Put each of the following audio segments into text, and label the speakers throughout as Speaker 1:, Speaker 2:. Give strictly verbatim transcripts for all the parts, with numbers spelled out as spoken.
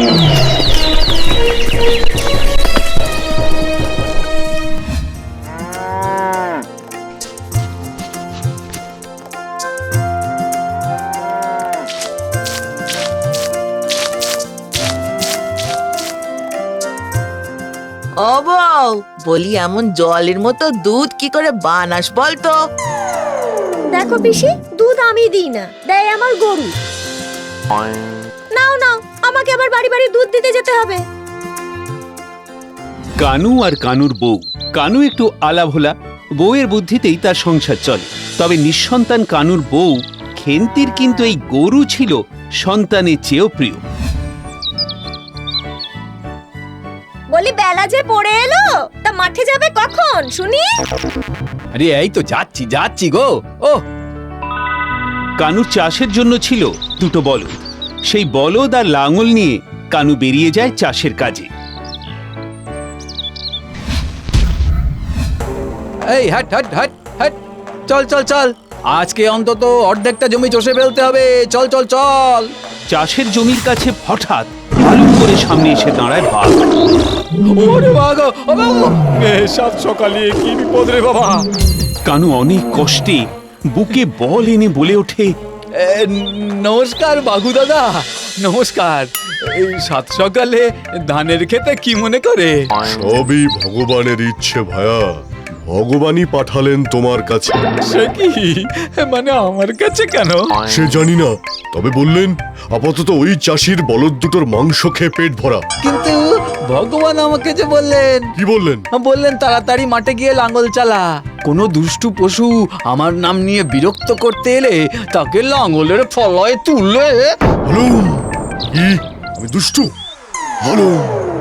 Speaker 1: ও বউ, বলি এমন জলের মতো দুধ কি করে বানাস বলতো?
Speaker 2: দেখো পিসি, দুধ আমি দিই না, দেয় আমার গরু। নাও নাও, আমাকে আবার বাড়ি বাড়ি দুধ দিতে যেতে হবে।
Speaker 3: কানু আর কানুর বউ। কানু একটু আলাভোলা, বউয়ের বুদ্ধিতেই তার সংসার চলে। তবে নিঃসন্তান কানুর বউ খেন্তির কিন্তু এই গরু ছিল সন্তানের চেয়েও প্রিয়।
Speaker 2: বলি বেলা যে পড়ে এলো, তা মাঠে যাবে কখন শুনি?
Speaker 4: আরে এই তো যাচ্ছি যাচ্ছি গো। ও
Speaker 3: কানুর চাষের জন্য ছিল দুটো বলদ। সেই বলদ আর লাঙল নিয়ে কানু বেরিয়ে যায় চাষের কাজে।
Speaker 4: এই হাট হাট হাট হাট, চল চল চল, আজকে অন্তত অর্ধেকটা জমি চষে ফেলতে হবে। চল চল চল।
Speaker 3: চাষের জমির কাছে হঠাৎ ভালু করে সামনে এসে দাঁড়ায় বাঘ।
Speaker 4: ওরে বাবা, সাত সকালে কি বিপদ রে বাবা।
Speaker 3: কানু অনেক কষ্টে বুকে বল এনে বলে ওঠে,
Speaker 4: নমস্কার বাঘু দাদা, নমস্কার। এই সাত সকালে ধানের খেতে কি মনে করে?
Speaker 5: সবই ভগবানের ইচ্ছে ভায়া, ভগবানই পাঠালেন তোমার কাছে।
Speaker 4: সে কি মানে আমার কাছে কেন?
Speaker 5: সে জানি না, তবে বললেন আপাতত ওই চাষির বলদ দুটোর মাংস খেয়ে পেট ভরা।
Speaker 4: কিন্তু ভগবান আমাকে যে বললেন,
Speaker 5: কি বললেন?
Speaker 4: বললেন তাড়াতাড়ি মাঠে গিয়ে লাঙ্গল চালা। কোনো দুষ্টু পশু আমার নাম নিয়ে বিরক্ত করতে এলে তাকে লাঙ্গলের ফলায় তুললে।
Speaker 5: হালুম, কি আমি দুষ্টু? হালুম,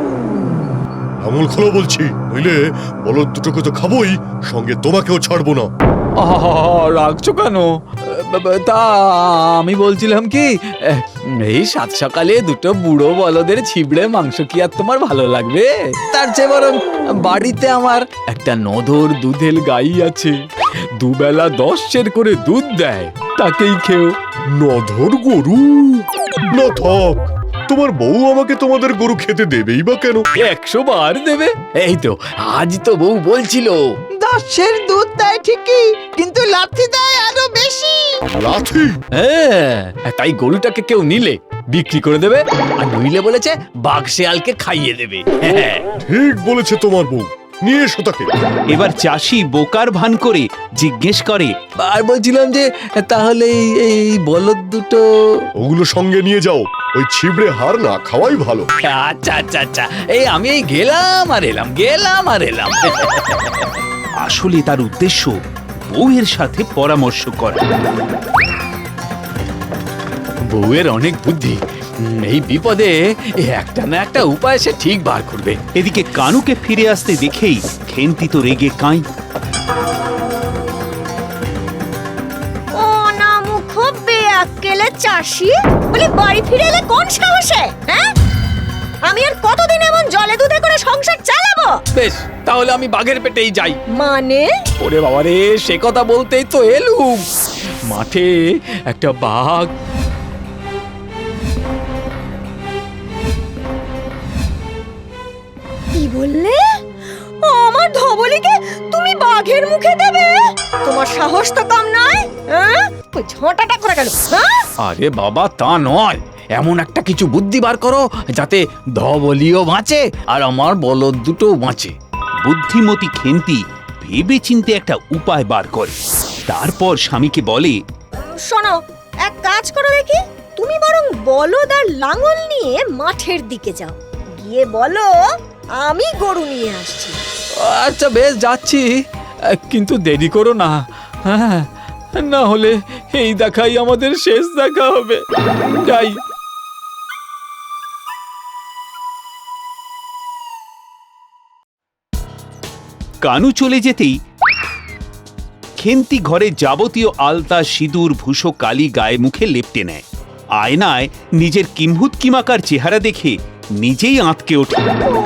Speaker 5: লাঙল খোলো বলছি, নইলে বলদ দুটোকে তো খাবোই, সঙ্গে তোমাকেও ছাড়বো না।
Speaker 4: আহা, রাখছো কেন? তা আমি বলছিলাম কি, এই সাত সকালে দুটো বুড়ো বলদের ছিবড়ে মাংস কি আর তোমার ভালো লাগবে? তার চেয়ে বরং বাড়িতে আমার একটা নধর দুধের গাই আছে, দুবেলা দশ সের করে দুধ দেয়, তাকেই খেও।
Speaker 5: নধর গরু? না থাক, তোমার বউ আমাকে তোমাদের গরু খেতে দেবেই বা কেন?
Speaker 4: একশো বার দেবে। এই তো আজ তো বউ বলছিল
Speaker 1: দশের দুধ দেয় ঠিকই, কিন্তু লাথি দেয় আরো বেশি।
Speaker 5: লাথি?
Speaker 4: হ্যাঁ, তাই গরুটাকে কেউ নিলে বিক্রি করে দেবে, আর নইলে বলেছে বাঘ শেয়ালকে খাইয়ে দেবে। হ্যাঁ,
Speaker 5: ঠিক বলেছে তোমার বউ, নিয়ে এসো তাকে।
Speaker 3: এবার চাষি বোকার ভান করে জিজ্ঞেস করে,
Speaker 4: আর বলছিলাম যে তাহলে এই বলদ দুটো
Speaker 5: ওগুলো সঙ্গে নিয়ে যাও, ওই ছিবড়ে হার না খাওয়াই ভালো।
Speaker 4: আচ্ছা আচ্ছা আচ্ছা, এই আমি এই গেলাম আর এলাম, গেলাম আর এলাম।
Speaker 3: আসলে তার উদ্দেশ্য বউয়ের সাথে পরামর্শ করা।
Speaker 4: বউয়ের অনেক বুদ্ধি, এই বিপদে একটা না একটা উপায় সে ঠিক বার করবে।
Speaker 3: এদিকে কানুকে ফিরে আসতে দেখেই খেন্তি তো রেগে কাঁই।
Speaker 2: ও না মুখ বেয়াক্কেলে চাষি, বলি বাড়ি ফিরে এলে কোন সাহসে? হ্যাঁ, আমি আর কতদিন এমন জলে দুধে করে সংসার চালাবো?
Speaker 4: বেশ, তাহলে আমি বাঘের পেটেই যাই।
Speaker 2: মানে?
Speaker 4: ওরে বাবা রে, সে কথা বলতেই তো এলুম। মাঠে একটা বাঘ।
Speaker 2: কি বললে? ও আমার ধবলিকে তুমি বাঘের মুখে দেবে? তোমার সাহস তো কম নয়। হ্যাঁ, ওই ঝোঁটাটা করে গেল। হ্যাঁ,
Speaker 4: আরে বাবা তা নয়, এমন একটা কিছু বুদ্ধি বার করো যাতে ধবলিও বাঁচে আর আমার বলদ দুটো বাঁচে।
Speaker 3: বুদ্ধিমতী খেন্তি ভেবে চিন্তে একটা উপায় বার করে। তারপর স্বামীকে বলে,
Speaker 2: শোনো, এক কাজ করো দেখি, তুমি বরং বলদ আর লাঙল নিয়ে মাঠের দিকে যাও, গিয়ে বলো আমি গরু নিয়ে আসছি।
Speaker 4: আচ্ছা বেশ, যাচ্ছি, কিন্তু দেরি করো না। হ্যাঁ, না হলে এই দেখাই আমাদের শেষ দেখা হবে। যাই।
Speaker 3: কানু চলে যেতেই খেন্তি ঘরে যাবতীয় আলতা, সিঁদুর, ভূষো, কালি গায়ে মুখে লেপটে নেয়। আয়নায় নিজের কিম্ভূত কিমাকার চেহারা দেখে নিজেই আঁতকে ওঠে।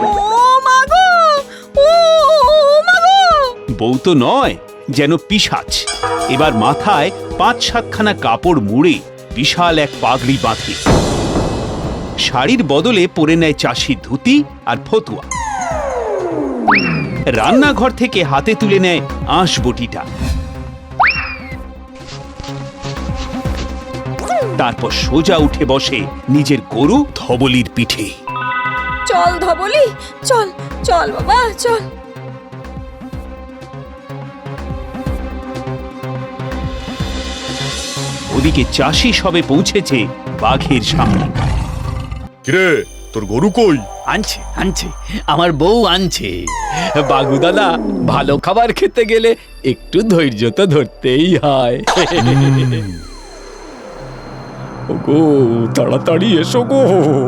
Speaker 3: বউ তো নয়, যেন পিশাচ। এবার মাথায় পাঁচ সাতখানা কাপড় মুড়ে বিশাল এক পাগড়ি বাঁধে। শাড়ির বদলে পরে নেয় চাষি ধুতি আর ফতুয়া। রান্নাঘর থেকে হাতে তুলে নেয় আঁশ বটিটা। তারপর সোজা উঠে বসে নিজের গরু ধবলির পিঠে।
Speaker 2: চল ধবলি, চল চল বাবা চল।
Speaker 3: ওদিকে চাষি সবে পৌঁছেছে বাঘের সামনে।
Speaker 5: কিরে, তোর গরু কই?
Speaker 4: আনছে আনছে আমার বউ আনছে। বাগু দাদা, ভালো খাবার খেতে গেলে একটু ধৈর্য তো ধরতেই হয়। ওগো, তাড়াতাড়ি এসো গো।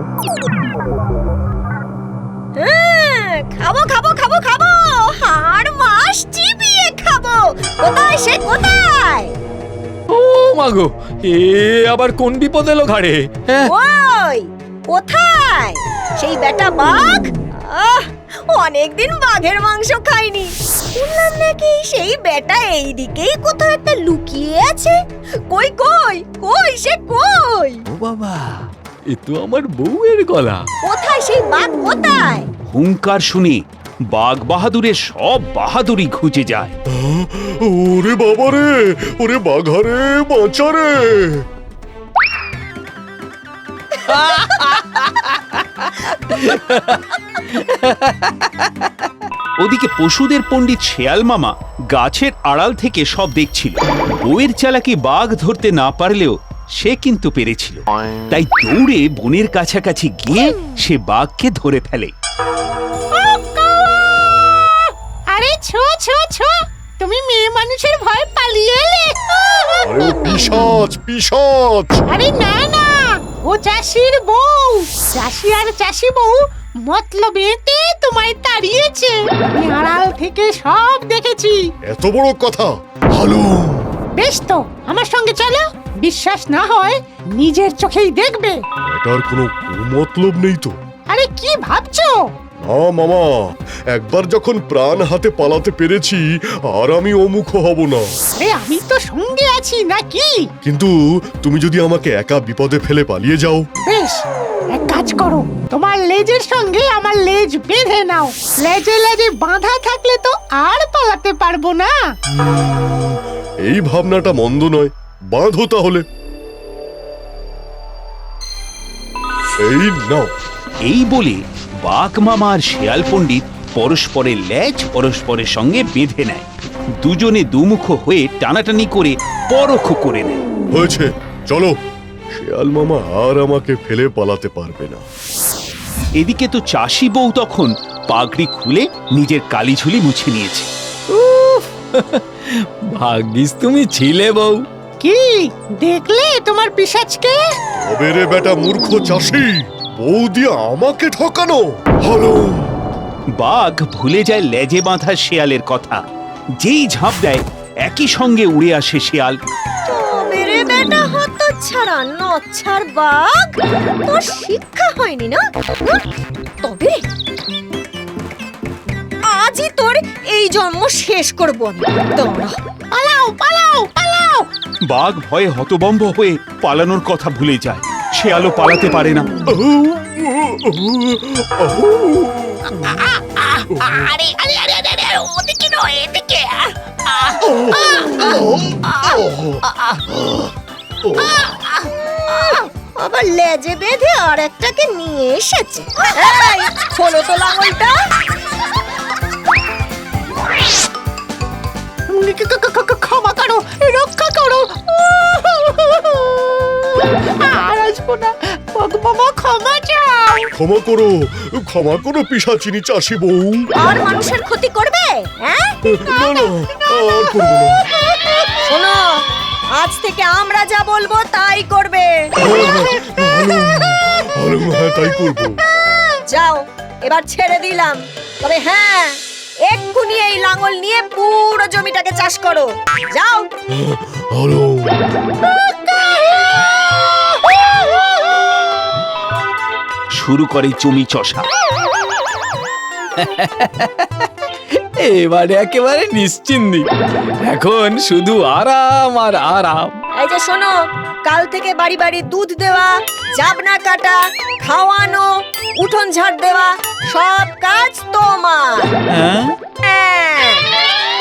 Speaker 2: হ্যাঁ, খাবো খাবো খাবো খাবো, হাড় মাস চিবিয়ে খাবো। কোথায় সে কোথায়?
Speaker 4: ও মাগো, এ আবার কোন বিপদ এলো ঘাড়ে? হ্যাঁ,
Speaker 2: ওই কোথায় সেই বেটা বাঘ? আহ, অনেকদিন বাঘের মাংস খাইনি। শুনলাম নাকি সেই বেটা এইদিকেই কোথাও একটা লুকিয়ে আছে। কই কই কই সে কই?
Speaker 4: ও বাবা, এ তো আমার বউয়ের গলা।
Speaker 2: কোথায় সেই বাঘ কোথায়?
Speaker 3: হুঙ্কার শুনে বাঘ বাহাদুরের সব বাহাদুরি খুঁজে যায়।
Speaker 5: ওরে বাবা রে, ওরে বাঘারে, বাঁচা রে।
Speaker 3: ওদিকে পশুদের পণ্ডিত শেয়াল মামা গাছের আড়াল থেকে সব দেখছিল। বউয়ের চালাকি বাঘ ধরতে না পারলেও সে কিন্তু পেরেছিল। তাই দৌড়ে বনের কাছাকাছি গিয়ে সে বাঘকে ধরে ফেলে।
Speaker 6: আরে ছো ছো ছো, তুমি মেয়ে মানুষের ভয় পালিয়ে এলে?
Speaker 5: আরে ও পিশাচ, পিশাচ।
Speaker 6: আরে না না, ও চাষির বউ। চাষি আর চাষি বউ মতলবেতে তোমায় তাড়িয়েছে। আমি আড়াল থেকে সব দেখেছি।
Speaker 5: এত বড় কথা? হ্যালো,
Speaker 6: বেশ তো, আমার সঙ্গে চলো। বিশ্বাস না হয় নিজের চোখেই দেখবে।
Speaker 5: এটার কোনো মতলব নেই তো?
Speaker 6: আরে কি ভাবছো?
Speaker 5: না মামা, একবার যখন প্রাণ হাতে পালাতে পেরেছি আর আমি অমুখ হব না।
Speaker 6: আরে আমি তো সঙ্গে আছি নাকি?
Speaker 5: কিন্তু তুমি যদি আমাকে একা বিপদে ফেলে পালিয়ে যাও?
Speaker 6: বেশ, এক কাজ করো, তোমার লেজের সঙ্গে আমার লেজ বেঁধে নাও। লেজে লেজে বাঁধা থাকলে তো আর পালাতে পারবো না।
Speaker 5: এই ভাবনাটা মন্দ নয়, বাঁধো তাহলে। এই নাও।
Speaker 3: এই বলে বাঘ মামা আর শেয়াল পণ্ডিত পরস্পরের লেজ পরস্পরের সঙ্গে বেঁধে নেয়। দুজনে দুমুখ হয়ে টানাটানি করে পরখ করে নেয়।
Speaker 5: হয়েছে, চলো। শেয়াল মামা আর আমাকে ফেলে পালাতে পারবে না।
Speaker 3: এদিকে তো চাষি বউ তখন পাগড়ি খুলে নিজের কালিঝুলি মুছে নিয়েছে।
Speaker 4: ভাগ্যিস তুমি ছিলে বউ।
Speaker 6: কি দেখলে তোমার পিশাচকে?
Speaker 5: তবে রে বেটা মূর্খ চাষি, বউ দিয়ে আমাকে ঠকানো হলো।
Speaker 3: বাঘ ভুলে যায় লেজে বাঁধা শেয়ালের কথা। যেই ঝাঁপ দেয় একই সঙ্গে উড়ে আসে শেয়াল।
Speaker 2: তবে রে বেটা হতচ্ছাড়া নচ্ছার বাঘ, তোর শিক্ষা হয়নি না? হুঁ? তবে আজই তোর এই জন্ম শেষ করবো আমি। তোমরা
Speaker 6: পালাও পালাও পালাও!
Speaker 3: বাঘ ভয়ে হতবম্ব হয়ে পালানোর কথা ভুলে যায়। শেয়ালও পালাতে পারে না।
Speaker 6: আরে আরে আরে আরে আরে, ওদিকে নয় এদিকে।
Speaker 2: আবার লেজে বেঁধে আর একটাকে নিয়ে এসেছে। এই, খোলো তো লাঙলটা।
Speaker 6: ক্ষমা করো, রক্ষা করো। আর আসবো না, বাবা ক্ষমা চাও।
Speaker 5: ক্ষমা করো, ক্ষমা করো পিশাচিনী চাষি বউ।
Speaker 2: আর মানুষের ক্ষতি করবে? হ্যাঁ,
Speaker 5: না না, আর করবো না।
Speaker 2: শোনো, আজ থেকে আমরা যা বলবো তাই করবে।
Speaker 5: আরে হ্যাঁ, তাই করবো।
Speaker 2: যাও, এবার ছেড়ে দিলাম। তবে হ্যাঁ, এক্ষুনি এই লাঙল নিয়ে পুরো জমিটাকে চাষ করো। যাও।
Speaker 5: হ্যালো।
Speaker 3: শুরু করে জমি চষা।
Speaker 4: এবারে একেবারে নিশ্চিন্তি। এখন শুধু আরাম আর আরাম।
Speaker 2: এই যে শোনো, কাল থেকে বাড়ি বাড়ি দুধ দেওয়া, জাবনা কাটা, খাওয়ানো, উঠোন ঝাড় দেওয়া সব কাজ তোমার।
Speaker 4: হ্যাঁ
Speaker 2: হ্যাঁ।